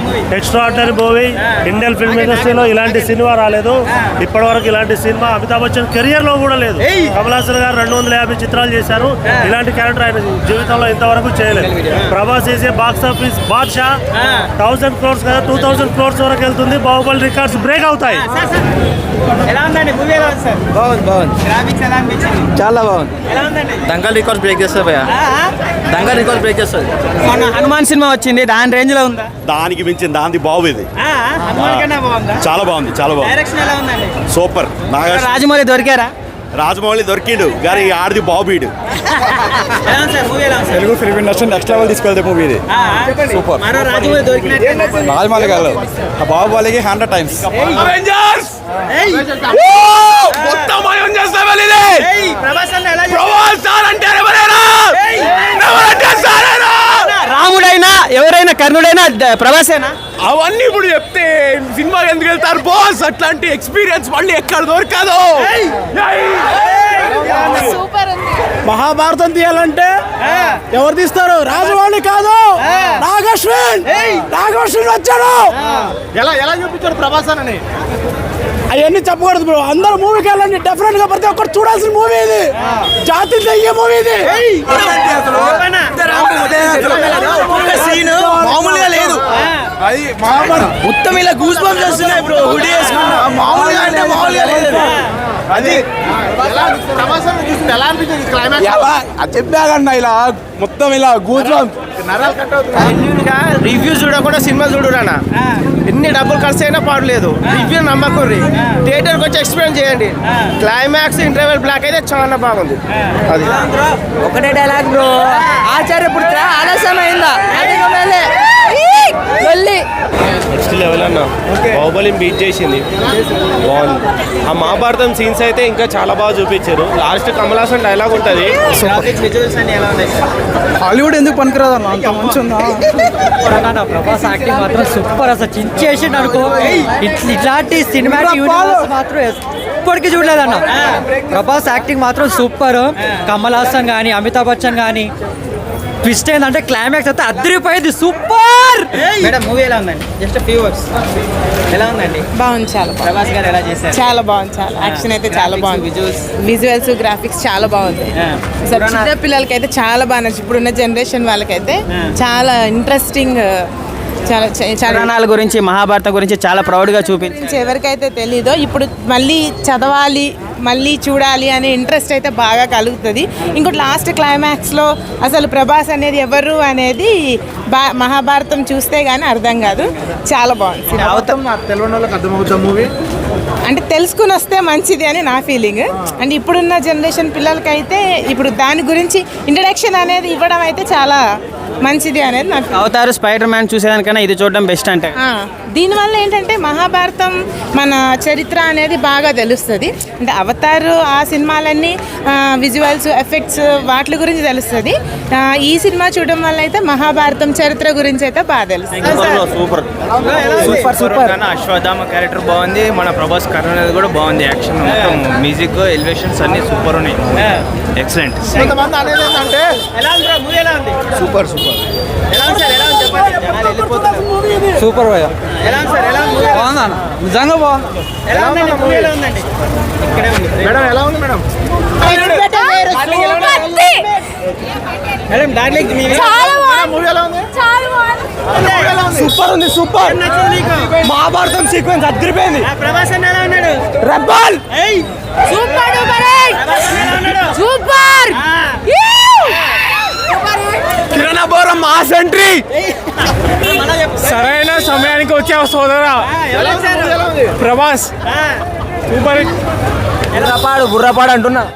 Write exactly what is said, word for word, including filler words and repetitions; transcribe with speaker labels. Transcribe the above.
Speaker 1: Extraordinary movie. Indian film ఇండస్ట్రీలో ఇలాంటి cinema రాలేదు ఇప్పటి వరకు. ఇలాంటి సినిమా అమితాబ్ బచ్చన్ కెరియర్ లో కూడా లేదు. కమల్ హాసన్ గారు రెండు వందల యాభై చిత్రాలు చేశారు. ఇలాంటి క్యారెక్టర్ ఆయన జీవితంలో ఇంతవరకు చేయలేదు. ప్రభాస్ చేసే బాక్స్ ఆఫీస్ బాద్షా థౌసండ్ క్రోర్స్ కదా, టూ థౌసండ్ క్రోర్స్ వరకు వెళ్తుంది. బాహుబలి రికార్డ్స్ బ్రేక్ అవుతాయి.
Speaker 2: చాలా బాగుంది. దంగల్ రికార్డ్స్ బ్రేక్ చేస్తుంది భయ్యా. దంగల్ రికార్డ్స్ బ్రేక్ చేస్తుంది.
Speaker 3: హనుమాన్ సినిమా వచ్చింది, దాని రేంజ్ లో ఉందా?
Speaker 4: దానికి మించిన దాని బాగుంది. చాలా బాగుంది, చాలా బాగుంది, సూపర్.
Speaker 3: రాజమౌళి దొరికారా?
Speaker 4: రాజమౌళి దొరికిండు కానీ ఆడిది బాబీడు.
Speaker 2: Telugu film industry next level తీసుకెళ్తే మూవీ ఇది. సూపర్. రాజమౌళి గారు బాహుబలికి హండ్రెడ్ టైమ్స్.
Speaker 3: రాముడైనా ఎవరైనా కర్ణుడైనా ప్రభాసేనా?
Speaker 4: అవన్నీ ఇప్పుడు చెప్తే సినిమా ఎందుకు వెళ్తారు బాస్? అట్లాంటి ఎక్స్పీరియన్స్ మళ్ళీ ఎక్కడ దొరకదు.
Speaker 1: మహాభారతం తీయాలంటే ఎవరు తీస్తారు? రాజమౌళి కాదు, నాగశ్విన్. నాగశ్విన్ వచ్చాడు.
Speaker 4: ఎలా ఎలా చూపించాడు ప్రభాస్ అని
Speaker 1: అవన్నీ చెప్పకూడదు బ్రో. అందరూ మూవీకి వెళ్ళండి, డెఫినెట్ గా ప్రతి ఒక్కరు చూడాల్సిన మూవీ ఇది. జాతి దయ్యే మూవీ ఇది.
Speaker 2: మామూలుగా లేదు అది. మొత్తం ఇలా గూస్ బంప్స్ వస్తున్నాయి బ్రో. హుడీ వేసుకున్నా మామూలుగా అంటే మామూలుగా లేదు అది. చెప్పాగన్నా ఇలా మొత్తం ఇలా గూస్ బంప్స్.
Speaker 3: రివ్యూ చూడకుండా సినిమా చూడురానా. ఎన్ని డబ్బులు ఖర్చు అయినా పాడలేదు. రివ్యూ నమ్మకూరి థియేటర్కి వచ్చి ఎక్స్పీరియన్స్ చేయండి. క్లైమాక్స్ ఇంటర్వెల్ బ్లాక్ అయితే చాలా బాగుంది. అది
Speaker 5: ఒకటే డైలాగ్ బ్రో. ఆచార్య పుత్ర ఆలస్యం అయిందా?
Speaker 6: నెక్స్ట్ లెవెల్ అన్న. బాహుబలిని బీట్ చేసింది, బాగుంది. ఆ మహాభారతం సీన్స్ అయితే ఇంకా చాలా బాగా చూపించారు. లాస్ట్ కమల్ హాసన్ డైలాగ్ ఉంటుంది.
Speaker 2: హాలీవుడ్ ఎందుకు పనికిరాదు అన్న, అంత మంచి ఉందా?
Speaker 5: ప్రభాస్ యాక్టింగ్ మాత్రం సూపర్. అసలు చించేసిండు అనుకో. ఇట్లాంటి సినిమాటిక్ యూనివర్స్ మాత్రం ఇప్పటికీ చూడలేదన్న. ప్రభాస్ యాక్టింగ్ మాత్రం సూపర్. కమల్ హాసన్ కానీ అమితాబ్ బచ్చన్ కానీ ట్విస్ట్ ఏంటంటే క్లైమాక్స్ అయితే అద్దరిపోయింది. సూపర్.
Speaker 3: మేడం మూవీ ఎలా ఉందండి? జస్ట్ ఫ్యూ వర్డ్స్ ఎలా ఉందండి?
Speaker 7: బాగుంది, చాలా
Speaker 3: ప్రభాస్ గారు ఎలా చేశారు?
Speaker 7: చాలా బాగుంది. చాలా యాక్షన్ అయితే చాలా బాగుంది.
Speaker 3: విజువల్స్
Speaker 7: విజువల్స్ గ్రాఫిక్స్ చాలా బాగుంది. అసలు చిన్న పిల్లలకి అయితే చాలా బాగా నచ్చింది. ఇప్పుడున్న జనరేషన్ వాళ్ళకైతే చాలా ఇంట్రెస్టింగ్. చాలా చాలా
Speaker 3: పురాణాల గురించి మహాభారతం గురించి చాలా ప్రౌడ్గా చూపించి
Speaker 7: ఎవరికైతే తెలీదో ఇప్పుడు మళ్ళీ చదవాలి, మళ్ళీ చూడాలి అనే ఇంట్రెస్ట్ అయితే బాగా కలుగుతుంది. ఇంకోటి లాస్ట్ క్లైమాక్స్లో అసలు ప్రభాస్ అనేది ఎవరు అనేది బా మహాభారతం చూస్తే కానీ అర్థం కాదు. చాలా బాగుంది.
Speaker 2: తెలియని వాళ్ళకి అర్థమవుతుంది మూవీ
Speaker 7: అంటే తెలుసుకుని వస్తే మంచిది అని నా ఫీలింగ్. అంటే ఇప్పుడున్న జనరేషన్ పిల్లలకైతే ఇప్పుడు దాని గురించి ఇంట్రడక్షన్ అనేది ఇవ్వడం అయితే చాలా మంచిది అనేది నా ఫీలింగ్.
Speaker 3: అవతార్ స్పైడర్ మ్యాన్ చూసేదానికన్నా ఇది చూడడం బెస్ట్ అంటే.
Speaker 7: దీనివల్ల ఏంటంటే మహాభారతం మన చరిత్ర అనేది బాగా తెలుస్తుంది. అంటే అవతార్ ఆ సినిమాలన్నీ విజువల్స్ ఎఫెక్ట్స్ వాటి గురించి తెలుస్తుంది. ఈ సినిమా చూడడం వల్ల అయితే మహాభారతం చరిత్ర గురించి అయితే బాగా తెలుస్తుంది.
Speaker 6: Super super super. Ashwatthama character బాగుంది. మన ప్రభాస్ కర్ణ అనేది కూడా బాగుంది. యాక్షన్ మొత్తం మ్యూజిక్ ఎలివేషన్స్ అన్ని సూపర్ ఉన్నాయి. ఎక్సలెంట్.
Speaker 2: సూపర్ సూపర్
Speaker 3: సూపర్ భయ్యా.
Speaker 2: బాగుందా? నిజంగా బాగుంది. మేడం ఎలా ఉంది మేడం?
Speaker 3: మేడం డార్లింగ్
Speaker 2: సూపర్ ఉంది. సూపర్. మహాభారతం సీక్వెన్స్ అద్దరిపోయింది.
Speaker 3: ప్రభాస్ ఎలా ఉన్నాడు?
Speaker 2: Rebel
Speaker 5: super super.
Speaker 2: కిరణబోరం మాస్ ఎంట్రీ.
Speaker 6: సరైన సమయానికి వచ్చే సోదరా ప్రభాస్ సూపర్.
Speaker 3: బుర్రపాడు బుర్రపాడు అంటున్నా.